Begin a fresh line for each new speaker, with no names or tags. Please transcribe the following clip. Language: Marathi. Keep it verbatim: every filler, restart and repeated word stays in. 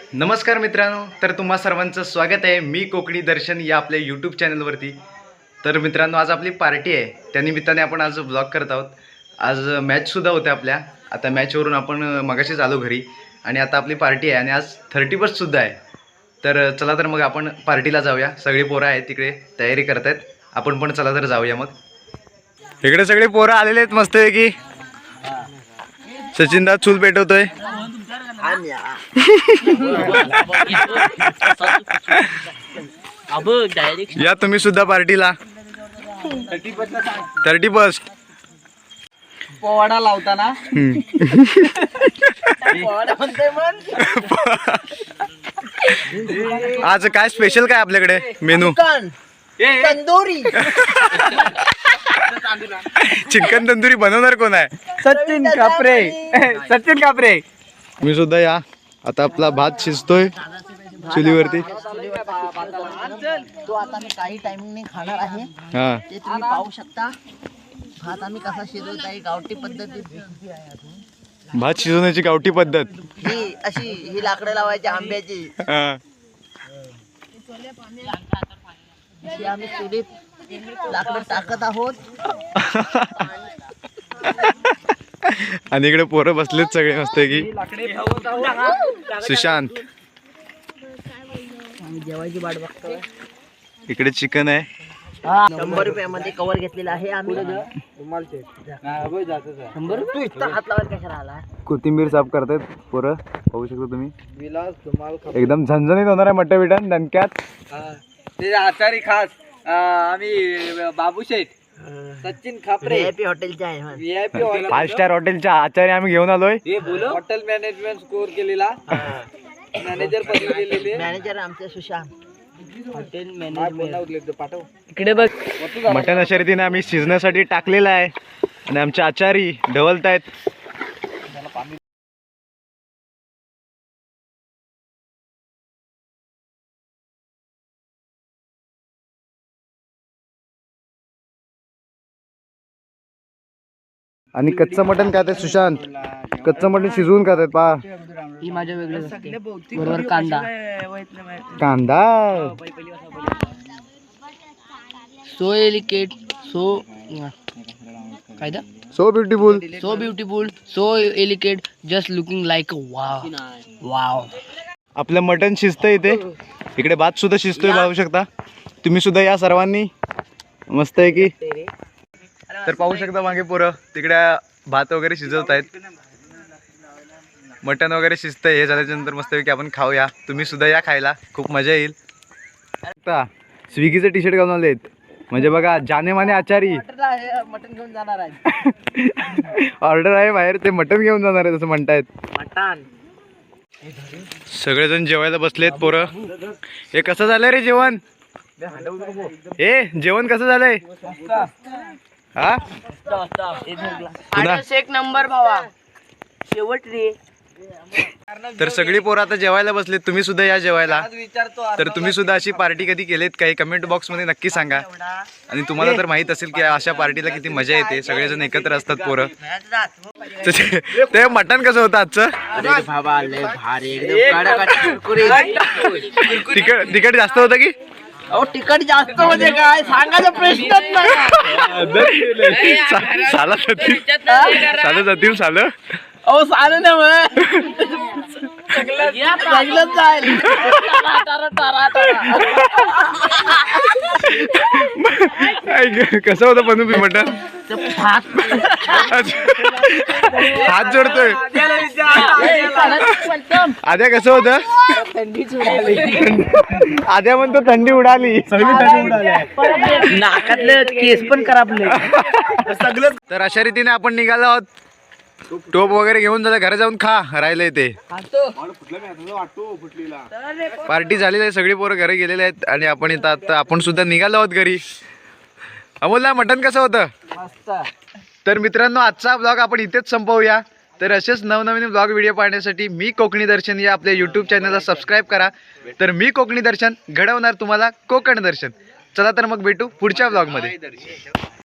नमस्कार मित्रांनो, तर तुम्हा सर्वांचं स्वागत आहे मी कोकणी दर्शन या आपल्या यूट्यूब चॅनलवरती। तर मित्रांनो, आज आपली पार्टी आहे, त्यानिमित्ताने आपण आज ब्लॉग करत आहोत। आज मॅचसुद्धा होते आपल्या, आता मॅचवरून आपण मगाशीच आलो घरी आणि आता आपली पार्टी आहे आणि आज थर्टी फर्स्टसुद्धा आहे। तर चला तर मग आपण पार्टीला जाऊया। सगळी पोरं आहेत तिकडे, तयारी करत आहेत, आपण पण चला तर जाऊया। मग इकडे सगळे पोरं आलेले आहेत मस्त आहे की सचिनदा चूल पेटवतोय। या तुम्ही सुद्धा पार्टीला थर्टी फर्स्ट
पोवाडा लावताना
आज काय स्पेशल काय आपल्याकडे मेनू?
तंदुरी
चिकन तंदुरी बनवणार कोण आहे?
सचिन कापरे सचिन कापरे
मी सुद्धा या। आता आपला भात शिजतोय चुलीवरती।
तो आता मी काही टाइमिंगने खाणार आहे,
हा
ते तुम्ही पाहू शकता। भात आम्ही कसा शिजवत आहे गावठी पद्धतीत।
भात शिजवण्याची गावठी पद्धत
ही अशी ही लाकडं लावायची आंब्याची,
हा।
अशी आम्ही चुलीत लाकडं टाकत आहोत।
आणि इकडे पोरं बसलेत सगळे मस्त की सुशांत।
जेवायची वाट बघतोय।
इकडे चिकन आहे,
शंभर रुपयामध्ये कवर घेतलेला आहे आम्ही। शंभर तू इतका हात लावायला कशाला आला?
कोथिंबीर साफ करतायत पोरं, पाहू शकता तुम्ही। एकदम झणझणीत होणार आहे मट्टा बिटा दणक्यात।
ते आचारी खास आम्ही बाबू शेठ सचिन खापरे
व्हीआयपी हॉटेलचे आहे म्हण।
व्हीआयपी हॉटेल
फाइव स्टार हॉटेलच्या आचार्य आम्ही घेऊन आलोय।
हॉटेल मॅनेजमेंट स्कोर केलेला मॅनेजर पदवी दिलेली
मॅनेजर आमचे सुशांत। हॉटेल
मॅनेजमेंट पाठव
इकडे बघ,
मटण शर्यतीने आम्ही शिजण्यासाठी टाकलेला आहे आणि आमच्या आचारी ढवलतायत। आणि कच्चं मटण खात आहे सुशांत, कच्चं मटण शिजवून खात आहेत पा।
ही माझ्या वेगळं असते, बरोबर कांदा
कांदा
सो एलिकेट सो काय दा
so beautiful
so beautiful so delicate just looking like wow wow.
आपलं मटण शिजतंय इथे, इकडे भात सुद्धा शिजतोय पाहू शकता तुम्ही सुद्धा या सर्वांनी। मस्त आहे की, तर पाहू शकता मागे पोरं तिकडे भात वगैरे शिजवत आहेत, मटण वगैरे शिजतंय। हे झाल्याच्या नंतर मस्त आहे की आपण खाऊया, तुम्ही सुद्धा या खायला, खूप मजा येईल। आता स्विगीचे टी शर्ट घालून आलेत, म्हणजे बघा जाने माने आचारी
मटन घेऊन जाणार आहे।
ऑर्डर आहे बाहेर, ते मटण घेऊन जाणार आहे असं म्हणतायत।
मटन
सगळेजण जेवायला बसलेत पोरं। हे कसं झालंय रे जेवण? ए जेवण कसं झालंय? हा
एक नंबर भावा, शेवट रे।
तर सगळी पोरं आता जेवायला बसलेत, तुम्ही सुद्धा या जेवायला। तर तुम्ही सुद्धा अशी पार्टी कधी केलीत काही कमेंट बॉक्स मध्ये नक्की सांगा। आणि तुम्हाला तर माहित असेल की अशा पार्टीला किती मजा येते, सगळेजण एकत्र असतात पोरं। ते मटण कसं होतं आजचं? तिकट तिकट जास्त होतं की?
अहो तिकट जास्त म्हणजे काय सांगायचा प्रश्नच नाही।
साला जातील साला जातील सालं।
अहो सालं ना मग सगळंच जाईल।
कसं होतं बनू बी मटण? हात जोडतोय आद्या, कसं होतं? आद्या म्हणतो थंडी उडाली,
नाकातले केस पण खराबले
सगळं। तर अशा रीतीने आपण निघालो आहोत, टोप वगैरे घेऊन झालं, घरी जाऊन खा राहिलंय ते। पार्टी झालेली आहे, सगळी पोरं घरी गेलेले आहेत आणि आपण इथं आता आपण सुद्धा निघालो आहोत घरी। अमोलला मटण कसं होतं? तर मित्रांनो, आजचा ब्लॉग आपण इथेच संपवूया। तर असेच नवनवीन ब्लॉग व्हिडिओ पाहण्यासाठी मी कोकणी दर्शन या आपल्या यूट्यूब चॅनलला सबस्क्राईब करा। तर मी कोकणी दर्शन घडवणार तुम्हाला कोकण दर्शन। चला तर मग भेटू पुढच्या ब्लॉगमध्ये।